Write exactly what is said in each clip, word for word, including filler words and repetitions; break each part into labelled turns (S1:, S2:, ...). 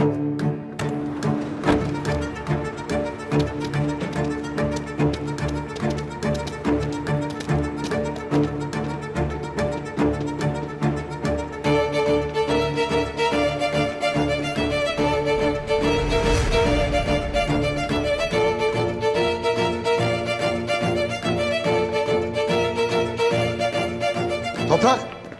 S1: Toprak!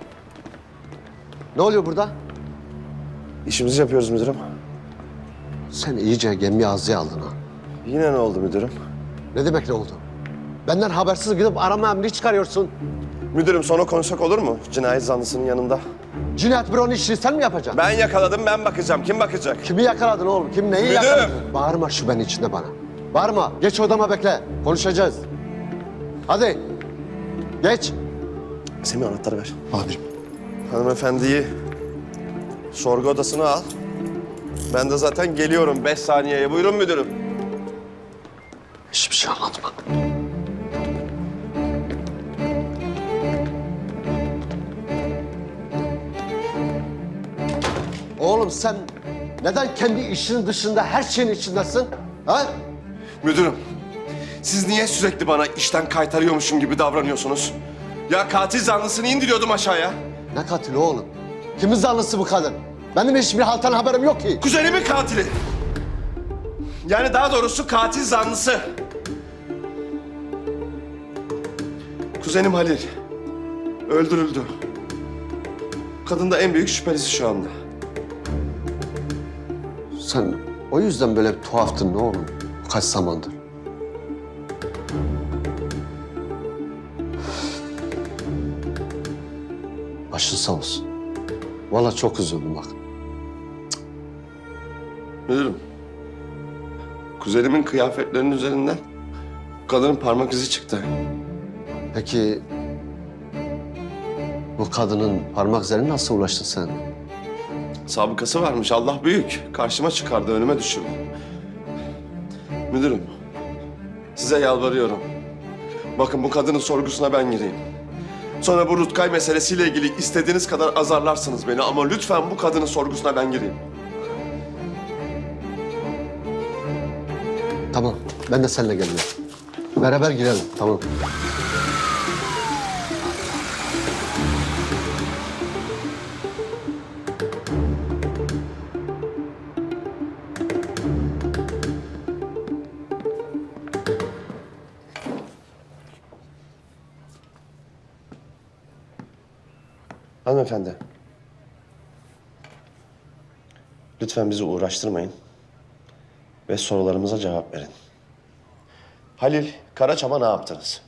S1: Ne oluyor burada?
S2: İşimizi yapıyoruz müdürüm.
S1: Sen iyice gemi ağzıya aldın ha.
S2: Yine ne oldu müdürüm?
S1: Ne demek ne oldu? Benden habersiz gidip arama emri çıkarıyorsun.
S2: Müdürüm sonra konuşsak olur mu? Cinayet zanlısının yanında.
S1: Cinayet büronun işini sen mi yapacaksın?
S2: Ben yakaladım, ben bakacağım. Kim bakacak?
S1: Kimi yakaladın oğlum? Kim neyi
S2: Müdürüm!
S1: yakaladın? Bağırma şu benim içinde bana. Bağırma. Geç odama bekle. Konuşacağız. Hadi. Geç.
S2: Semih anahtarı ver.
S1: Amirim.
S2: Hanımefendiyi sorgu odasına al. Ben de zaten geliyorum beş saniyeye. Buyurun müdürüm.
S1: Hiçbir şey anlatma. Oğlum sen neden kendi işinin dışında her şeyin içindesin? Ha?
S2: Müdürüm, siz niye sürekli bana işten kaytarıyormuşum gibi davranıyorsunuz? Ya katil zanlısını indiriyordum aşağıya.
S1: Ne katili oğlum? Kimin zanlısı bu kadın? Benim hiçbir haltan haberim yok ki.
S2: Kuzenimin katili. Yani daha doğrusu katil zanlısı. Kuzenim Halil öldürüldü. Kadın da en büyük şüphelisi şu anda.
S1: Sen o yüzden böyle bir tuhaftın ne oğlum? Bu kaç zamandır? Başın sağ olsun. Vallahi çok üzüldüm bak.
S2: Müdürüm, kuzenimin kıyafetlerinin üzerinden kadının parmak izi çıktı.
S1: Peki bu kadının parmak izlerine nasıl ulaştın sen?
S2: Sabıkası varmış, Allah büyük. Karşıma çıkardı, önüme düşürdü. Müdürüm, size yalvarıyorum. Bakın bu kadının sorgusuna ben gireyim. Sonra bu Rutkay meselesiyle ilgili istediğiniz kadar azarlarsınız beni ama lütfen bu kadının sorgusuna ben gireyim.
S1: Tamam, ben de seninle geliyorum. Beraber girelim, tamam.
S2: Hanımefendi. Lütfen bizi uğraştırmayın. Ve sorularımıza cevap verin. Halil Karaçam'a ne yaptınız?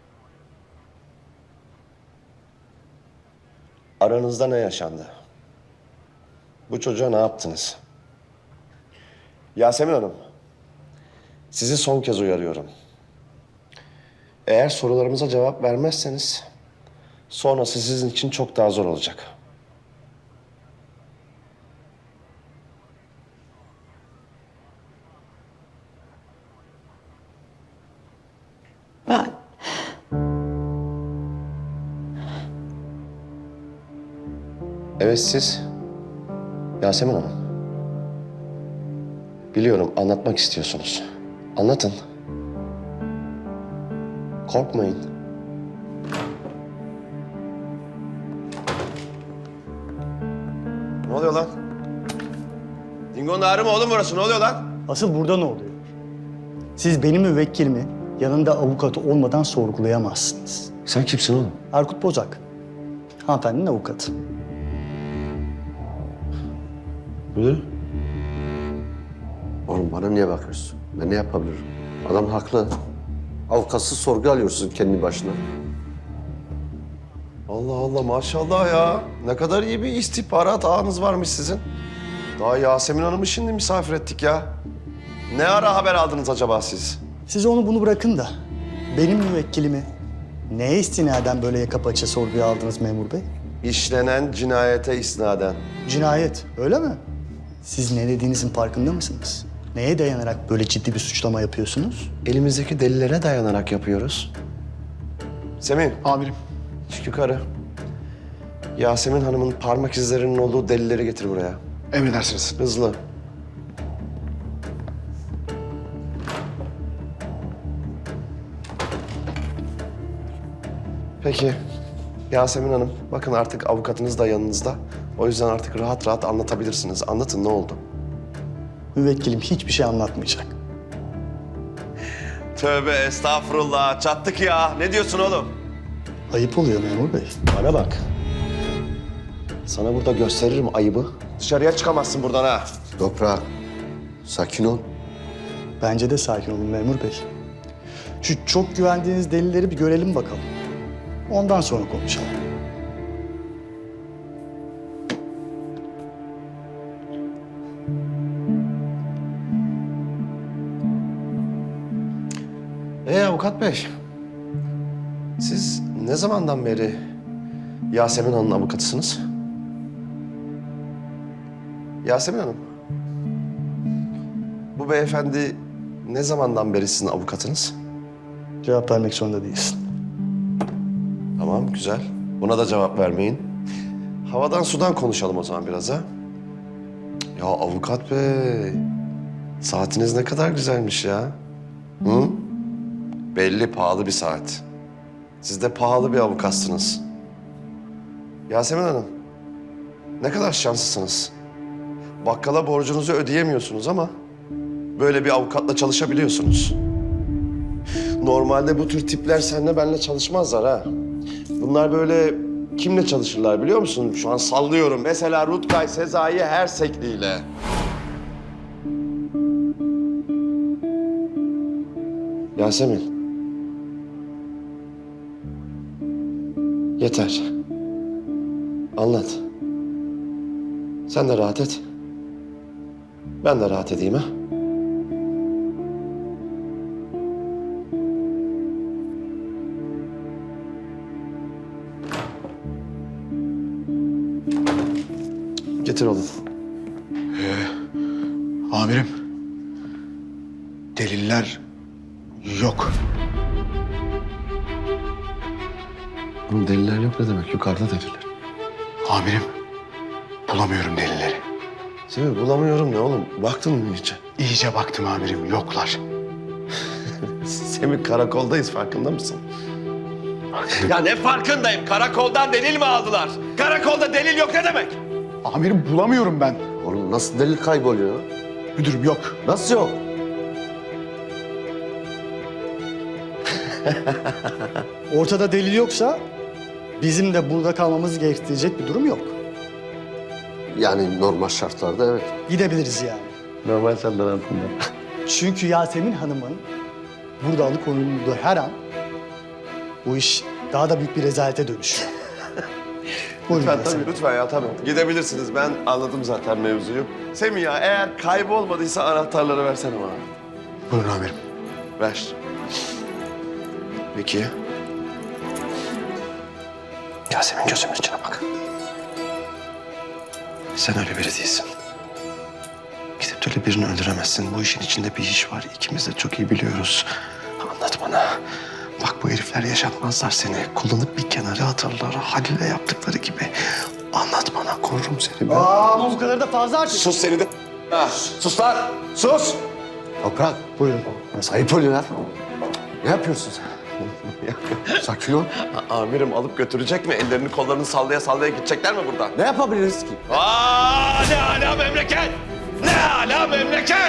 S2: Aranızda ne yaşandı? Bu çocuğa ne yaptınız? Yasemin Hanım, sizi son kez uyarıyorum. Eğer sorularımıza cevap vermezseniz sonrası sizin için çok daha zor olacak.
S3: Ben
S2: Evet siz. Yasemin Hanım. Biliyorum anlatmak istiyorsunuz. Anlatın. Korkmayın. Ne oluyor lan? Dingo'nun ağrı mı oğlum burası? Ne oluyor lan?
S4: Asıl burada ne oluyor? Siz benim müvekkilimi yanında avukatı olmadan sorgulayamazsınız.
S2: Sen kimsin oğlum?
S4: Erkut Bozak, hanımefendinin avukatı.
S2: Müdür.
S1: Oğlum bana niye bakıyorsun? Ben ne yapabilirim? Adam haklı. Avukatsız sorgu alıyorsun kendi başına.
S2: Allah Allah maşallah ya. Ne kadar iyi bir istihbarat ağınız varmış sizin. Daha Yasemin Hanım'ı şimdi misafir ettik ya. Ne ara haber aldınız acaba siz?
S4: Siz onu bunu bırakın da benim müvekkilimi neye istinaden böyle yaka paça sorguya aldınız memur bey?
S2: İşlenen cinayete isnaden.
S4: Cinayet, öyle mi? Siz ne dediğinizin farkında mısınız? Neye dayanarak böyle ciddi bir suçlama yapıyorsunuz?
S2: Elimizdeki delillere dayanarak yapıyoruz. Semih.
S4: Amirim.
S2: Çık yukarı. Yasemin Hanım'ın parmak izlerinin olduğu delilleri getir buraya.
S5: Emredersiniz.
S2: Hızlı. Peki Yasemin Hanım, bakın artık avukatınız da yanınızda. O yüzden artık rahat rahat anlatabilirsiniz. Anlatın, ne oldu?
S4: Müvekkilim hiçbir şey anlatmayacak.
S2: Tövbe estağfurullah, çattık ya. Ne diyorsun oğlum?
S4: Ayıp oluyor memur bey.
S2: Bana bak. Sana burada gösteririm ayıbı. Dışarıya çıkamazsın buradan ha.
S1: Toprak, sakin ol.
S4: Bence de sakin olun memur bey. Şu çok güvendiğiniz delilleri bir görelim bakalım. Ondan sonra konuşalım.
S2: Ee avukat bey, siz ne zamandan beri Yasemin Hanım'ın avukatısınız? Yasemin Hanım, bu beyefendi ne zamandan beri sizin avukatınız?
S4: Cevap vermek zorunda değilsin.
S2: Tamam, güzel. Buna da cevap vermeyin. Havadan sudan konuşalım o zaman biraz ha. Ya avukat bey, saatiniz ne kadar güzelmiş ya. Hı? Belli pahalı bir saat. Siz de pahalı bir avukatsınız. Yasemin Hanım, ne kadar şanslısınız. Bakkala borcunuzu ödeyemiyorsunuz ama böyle bir avukatla çalışabiliyorsunuz. Normalde bu tür tipler seninle benimle çalışmazlar ha. Bunlar böyle kimle çalışırlar biliyor musun? Şu an sallıyorum. Mesela Rutkay Sezai Hersekli ile. Yasemin. Yeter. Anlat. Sen de rahat et. Ben de rahat edeyim ha. Getir oğlum.
S3: Amirim, deliller yok.
S2: Oğlum deliller yok ne demek? Yukarıda deliller.
S3: Amirim, bulamıyorum delilleri.
S2: Semih bulamıyorum ne oğlum? Baktın mı iyice?
S3: İyice baktım amirim, yoklar.
S2: Semih karakoldayız farkında mısın? Ya ne farkındayım? Karakoldan delil mi aldılar? Karakolda delil yok ne demek?
S3: Amirim bulamıyorum ben.
S1: Oğlum nasıl delil kayboluyor?
S3: Müdürüm yok.
S1: Nasıl yok?
S4: Ortada delil yoksa bizim de burada kalmamızı gerektirecek bir durum yok.
S1: Yani normal şartlarda evet.
S4: Gidebiliriz yani.
S2: Normal şartlar altında.
S4: Çünkü Yasemin Hanım'ın burada alıkonulduğu her an bu iş daha da büyük bir rezalete dönüşüyor. Buyurun
S2: Lütfen
S4: Yasemin.
S2: tabii lütfen ya tabii. Gidebilirsiniz ben anladım zaten mevzuyu. Semih ya eğer kaybolmadıysa anahtarları versene bana.
S3: Buyurun amirim.
S2: Ver. Peki. Yasemin gözümün içine bak. Sen öyle biri değilsin. Gidip de öyle birini öldüremezsin. Bu işin içinde bir iş var. İkimiz de çok iyi biliyoruz. Anlat bana. Bak bu herifler yaşatmazlar seni. Kullanıp bir kenara atarlar. Halil'le yaptıkları gibi. Anlat bana. Korurum seni ben.
S4: Aa, ama bu kadar da fazla artık.
S2: Sus seni de. Ha, sus lan. Sus.
S1: Toprak,
S4: Buyurun.
S1: ayıp oluyor lan. Ne yapıyorsun sen? Sakin ol.
S2: Amirim alıp götürecek mi? Ellerini kollarını sallaya sallaya gidecekler mi buradan?
S1: Ne yapabiliriz ki?
S2: Aa, ne ala memleket! Ne ala memleket!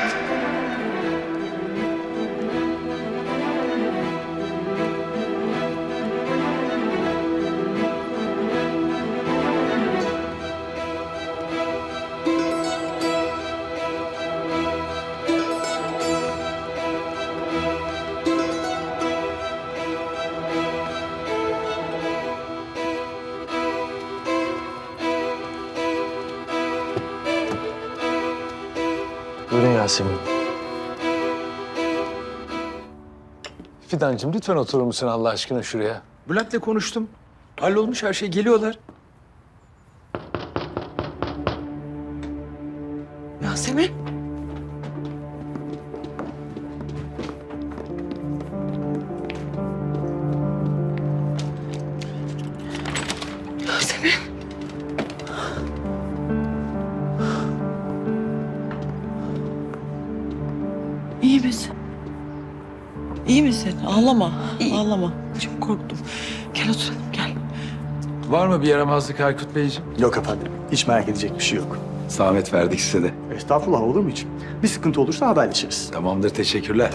S5: Buyurun Yasemin. Fidancığım lütfen oturur musun Allah aşkına şuraya? Bülent'le konuştum. Hallolmuş her şey. Geliyorlar.
S6: Yasemin. Yasemin. İyi misin? İyi misin? Ağlama. Ağlama. Çok korktum. Gel oturalım gel.
S5: Var mı bir yaramazlık Aykut Beyciğim?
S4: Yok efendim. Hiç merak edecek bir şey yok.
S5: Zahmet verdik size de.
S4: Estağfurullah, olur mu hiç? Bir sıkıntı olursa haberleşiriz.
S5: Tamamdır, teşekkürler.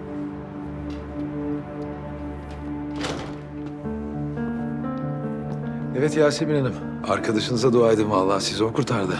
S5: Evet Yasemin Hanım, arkadaşınıza dua edin vallahi sizi o kurtardı.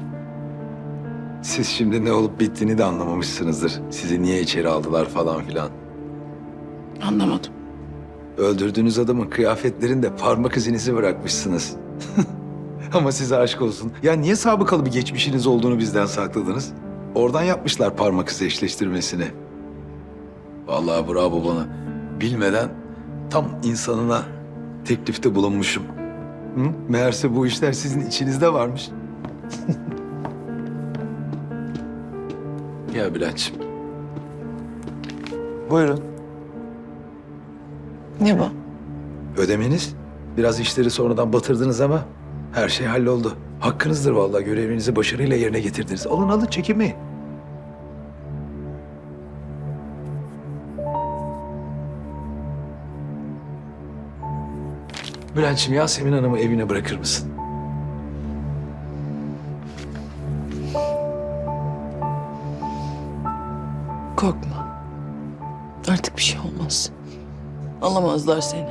S5: Siz şimdi ne olup bittiğini de anlamamışsınızdır. Sizi niye içeri aldılar falan filan.
S6: Anlamadım.
S5: Öldürdüğünüz adamın kıyafetlerinde parmak izinizi bırakmışsınız. Ama size aşk olsun. Ya niye sabıkalı bir geçmişiniz olduğunu bizden sakladınız? Oradan yapmışlar parmak izi eşleştirmesini. Vallahi bravo bana. Bilmeden tam insanına teklifte bulunmuşum. Hı? Meğerse bu işler sizin içinizde varmış. Ya Bülent'ciğim. Buyurun.
S6: Ne bu?
S5: Ödemeniz. Biraz işleri sonradan batırdınız ama her şey halloldu. Hakkınızdır vallahi, görevinizi başarıyla yerine getirdiniz. Alın alın, çekinmeyin. Bülent'ciğim, Yasemin Hanım'ı evine bırakır mısın?
S6: Korkma. Artık bir şey olmaz. Alamazlar seni.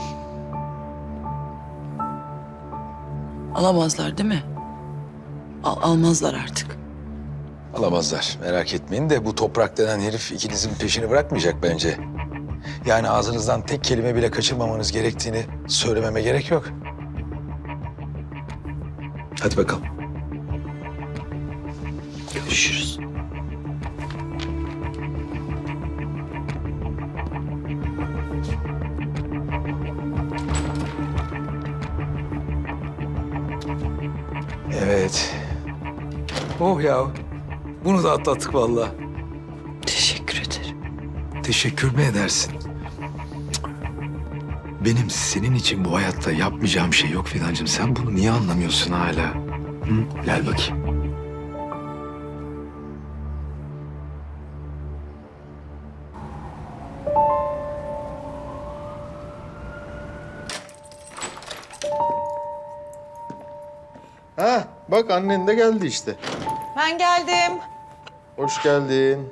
S6: Alamazlar değil mi? Al almazlar artık.
S5: Alamazlar, merak etmeyin de bu toprak denen herif ikinizin peşini bırakmayacak bence. Yani ağzınızdan tek kelime bile kaçırmamanız gerektiğini söylememe gerek yok. Hadi bakalım.
S6: Görüşürüz.
S5: Evet. Oh ya, bunu da atlattık vallahi.
S6: Teşekkür ederim.
S5: Teşekkür mü edersin? Benim senin için bu hayatta yapmayacağım şey yok Fidancığım. Sen bunu niye anlamıyorsun hala? Hı? Gel bakayım.
S7: Ha, bak annen de geldi işte.
S8: Ben geldim.
S7: Hoş geldin.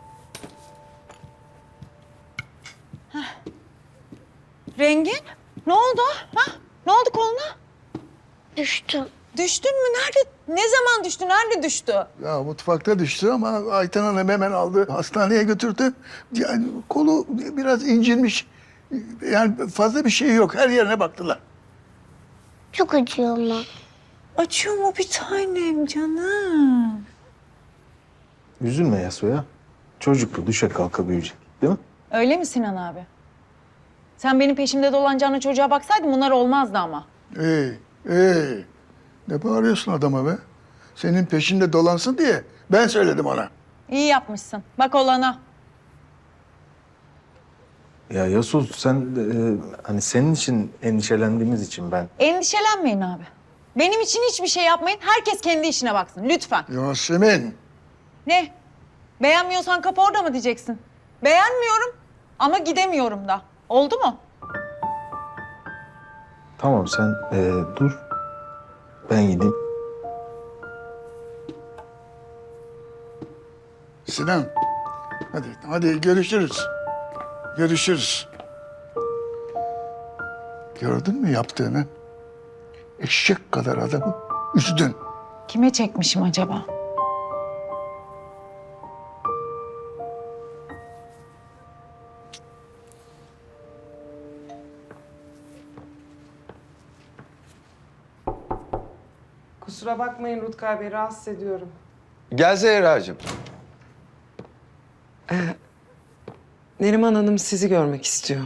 S8: Rengin, ne oldu? Ha? Ne oldu koluna?
S9: Düştüm.
S8: Düştün mü? Nerede? Ne zaman düştü? Nerede düştü?
S10: Ya mutfakta düştü ama Ayten Hanım hemen aldı, hastaneye götürdü. Yani kolu biraz incinmiş. Yani fazla bir şey yok. Her yerine baktılar.
S9: Çok acıyor ama.
S8: Açıyor mu bir tanem canım?
S7: Üzülme Yasoya. Çocuk bu, düşe kalka büyüyecek. Değil mi?
S8: Öyle mi Sinan abi? Sen benim peşimde dolanacağına çocuğa baksaydın bunlar olmazdı ama.
S10: Ey, ey. Ne bağırıyorsun adama be? Senin peşinde dolansın diye ben söyledim ona.
S8: İyi yapmışsın. Bak olana.
S7: Ya Yasu sen e, hani senin için endişelendiğimiz için ben.
S8: Endişelenmeyin abi. Benim için hiçbir şey yapmayın. Herkes kendi işine baksın lütfen.
S10: Yasemin.
S8: Ne? Beğenmiyorsan kapı orada mı diyeceksin? Beğenmiyorum ama gidemiyorum da. Oldu mu?
S7: Tamam sen e, dur. Ben gideyim.
S10: Sinan. Hadi, hadi görüşürüz. Görüşürüz. Gördün mü yaptığını? Eşek kadar adamı üzdün.
S8: Kime çekmişim acaba?
S11: Kusura bakmayın Rutkay Bey, rahatsız ediyorum.
S5: Gel Zehra'cığım.
S11: Neriman Hanım sizi görmek istiyor.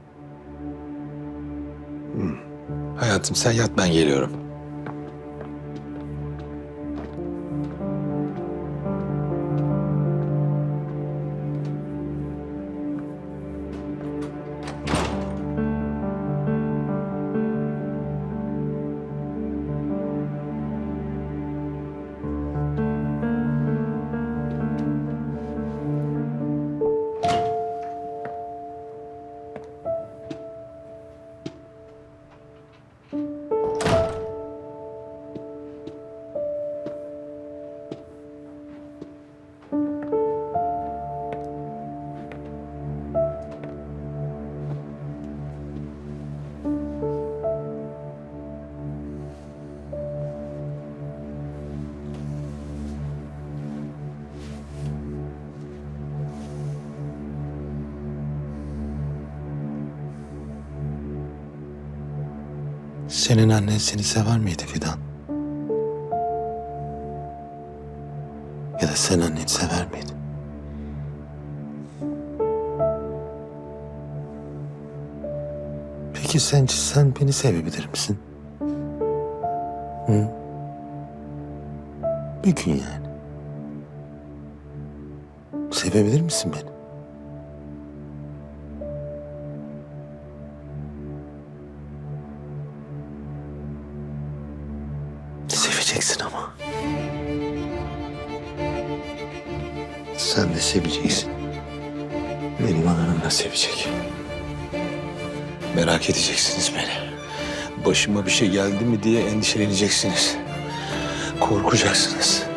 S5: Hayatım sen yat, ben geliyorum.
S7: Senin annen seni sever miydi Fidan? Ya da sen anneni sever miydin? Peki sence sen beni sevebilir misin? Hı? Bir gün yani. Sevebilir misin beni? Seveceksin ama. Sen de seveceksin. Benim anam da sevecek. Merak edeceksiniz beni. Başıma bir şey geldi mi diye endişeleneceksiniz. Korkacaksınız.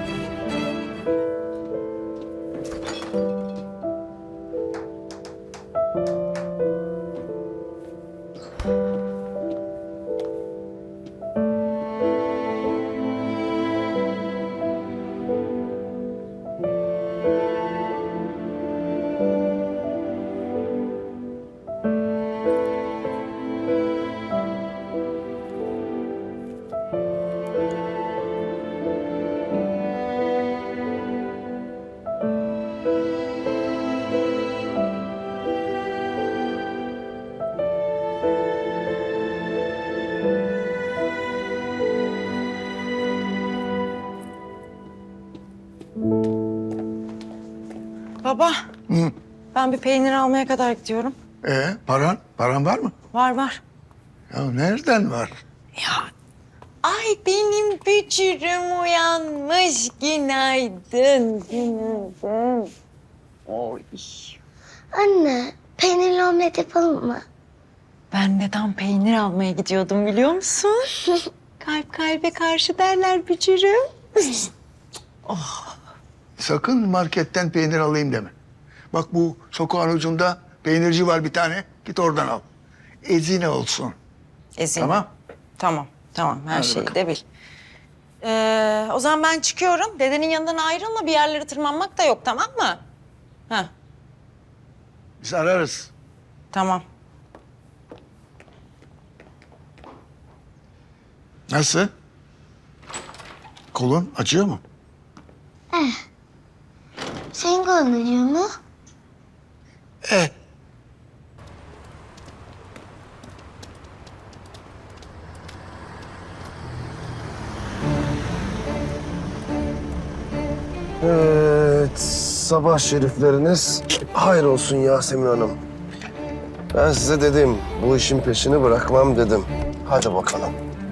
S6: Baba,
S10: Hı.
S6: ben bir peynir almaya kadar gidiyorum.
S10: Ee, paran? Paran var mı?
S6: Var var.
S10: Ya nereden var?
S6: Ya, ay benim bücürüm uyanmış. Günaydın, günaydın. Oy.
S9: Anne, peynirli omlet yapalım mı?
S6: Ben de tam peynir almaya gidiyordum biliyor musun? Kalp kalbe karşı derler bücürüm.
S10: Sakın marketten peynir alayım deme. Bak bu sokağın ucunda peynirci var bir tane. Git oradan al. Ezine olsun.
S6: Ezin.
S10: Tamam.
S6: Tamam, tamam. Her
S10: Hadi
S6: şeyi
S10: bakalım.
S6: de bil. Ee, o zaman ben çıkıyorum. Dedenin yanından ayrılma. Bir yerlere tırmanmak da yok, tamam mı? Ha,
S10: Biz ararız.
S6: tamam.
S10: Nasıl? Kolun acıyor mu?
S9: Senin kolun acıyor mu?
S10: Eh.
S2: Evet, sabah şerifleriniz hayır olsun Yasemin Hanım. Ben size dedim, bu işin peşini bırakmam dedim. Hadi bakalım.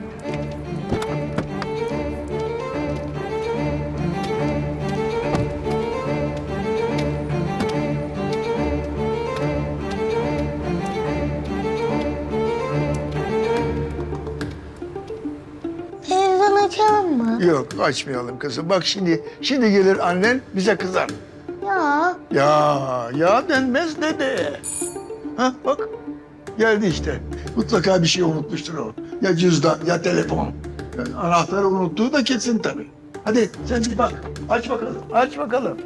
S9: Televizyon açalım mı?
S10: Yok açmayalım kızım. Bak şimdi şimdi gelir annen bize kızar.
S9: Ya,
S10: Ya ya denmez dede. Ha bak geldi işte. Mutlaka bir şey unutmuştur o. Ya cüzdan ya telefon. Yani anahtarı unuttuğu da kesin tabii. Hadi sen bir bak. Aç bakalım. Aç bakalım.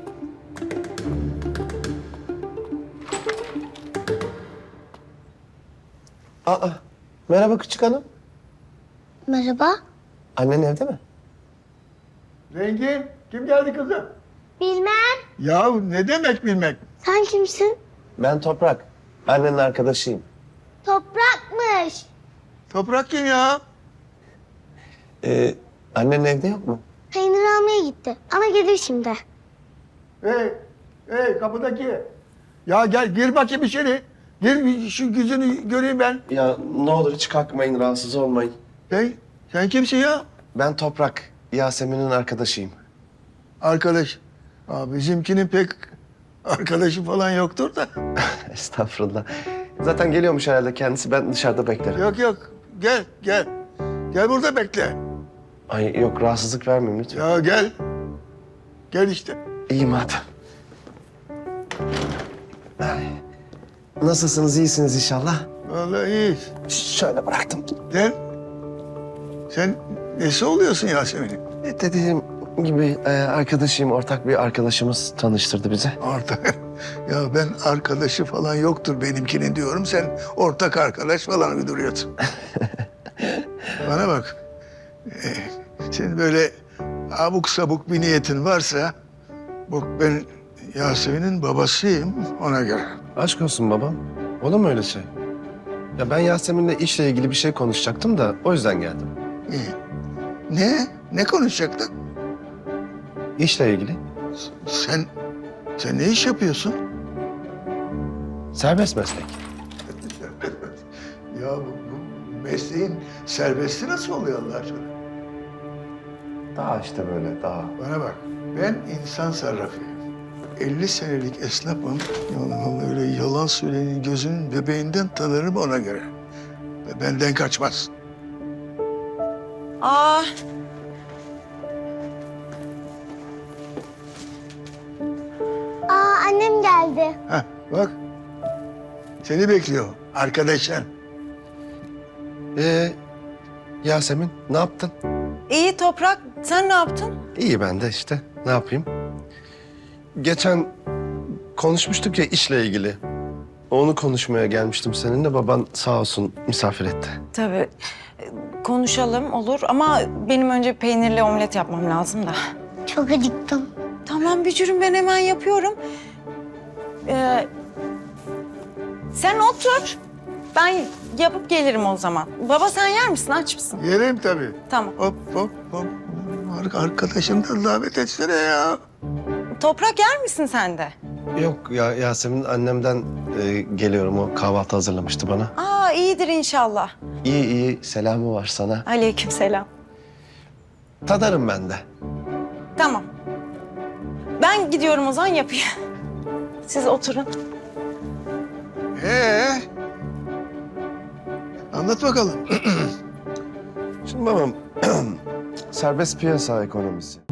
S2: Aa, merhaba küçük hanım.
S9: merhaba.
S2: Annen evde mi?
S10: Rengin kim geldi kızım?
S9: Bilmem.
S10: Ya ne demek bilmek?
S9: Sen kimsin?
S2: Ben Toprak. Annenin arkadaşıyım.
S9: Toprakmış.
S10: Toprak kim ya?
S2: Ee, annen evde yok mu?
S9: Peynir almaya gitti ama gelir şimdi.
S10: Hey, hey kapıdaki. Ya gel gir bakayım içeri. Gir bir şu yüzünü göreyim ben.
S2: Ya ne olur hiç kalkmayın, rahatsız olmayın.
S10: Hey, sen kimsin ya?
S2: Ben Toprak, Yasemin'in arkadaşıyım.
S10: Arkadaş. Aa, bizimkinin pek arkadaşı falan yoktur da.
S2: Estağfurullah. Zaten geliyormuş herhalde kendisi. Ben dışarıda beklerim.
S10: Yok yok. Gel gel. Gel burada bekle.
S2: Ay yok, rahatsızlık vermeyeyim lütfen.
S10: Ya gel. Gel işte.
S2: İyi madem. Ay. Nasılsınız, iyisiniz inşallah?
S10: Vallahi iyiyiz.
S2: Şöyle bıraktım.
S10: Sen, sen nesi oluyorsun Yasemin'in?
S2: E, Dediğim gibi e, arkadaşıyım, ortak bir arkadaşımız tanıştırdı bizi.
S10: Ortak. Ya ben arkadaşı falan yoktur benimkinin diyorum. Sen ortak arkadaş falan uyduruyorsun. Bana bak. Ee, senin böyle abuk sabuk bir niyetin varsa... Bak ben Yasemin'in babasıyım ona göre.
S2: Aşk olsun babam. Olur mu öyle şey? Ya ben Yasemin'le işle ilgili bir şey konuşacaktım da o yüzden geldim.
S10: İyi. Ne? Ne konuşacaktık?
S2: İşle ilgili.
S10: Sen, sen ne iş yapıyorsun?
S2: Serbest meslek.
S10: Ya bu, bu mesleğin serbesti nasıl oluyor Allah aşkına?
S2: Daha işte böyle daha.
S10: Bana bak, ben insan sarrafıyım. elli senelik esnafım. Yani öyle yalan söyleyenin gözünün bebeğinden tanırım ona göre. Ve benden kaçmaz.
S8: Aa,
S9: Aa annem geldi.
S10: Heh, bak. Seni bekliyor arkadaşın.
S2: Ee, Yasemin ne yaptın?
S8: iyi Toprak. Sen ne yaptın?
S2: İyi ben de işte. Ne yapayım? Geçen konuşmuştuk ya işle ilgili. Onu konuşmaya gelmiştim seninle. Baban sağ olsun misafir etti.
S6: Tabii. Konuşalım olur ama benim önce peynirli omlet yapmam lazım da.
S9: Çok acıktım.
S6: Tamam Bücür'üm ben hemen yapıyorum. Ee, sen otur. Ben yapıp gelirim o zaman. Baba sen yer misin? Aç mısın?
S10: Yerim tabii.
S6: Tamam.
S10: Hop hop hop. Ar- Arkadaşını da davet etsene ya.
S6: Toprak yer misin sen de?
S2: Yok ya Yasemin annemden e, geliyorum. O kahvaltı hazırlamıştı bana.
S6: Aa iyidir inşallah.
S2: İyi iyi selamı var sana.
S6: Aleykümselam.
S2: Tadarım ben de.
S6: Tamam. Ben gidiyorum o zaman yapayım. Siz oturun.
S10: Ee? Anlat bakalım.
S2: Şimdi babam serbest piyasa ekonomisi.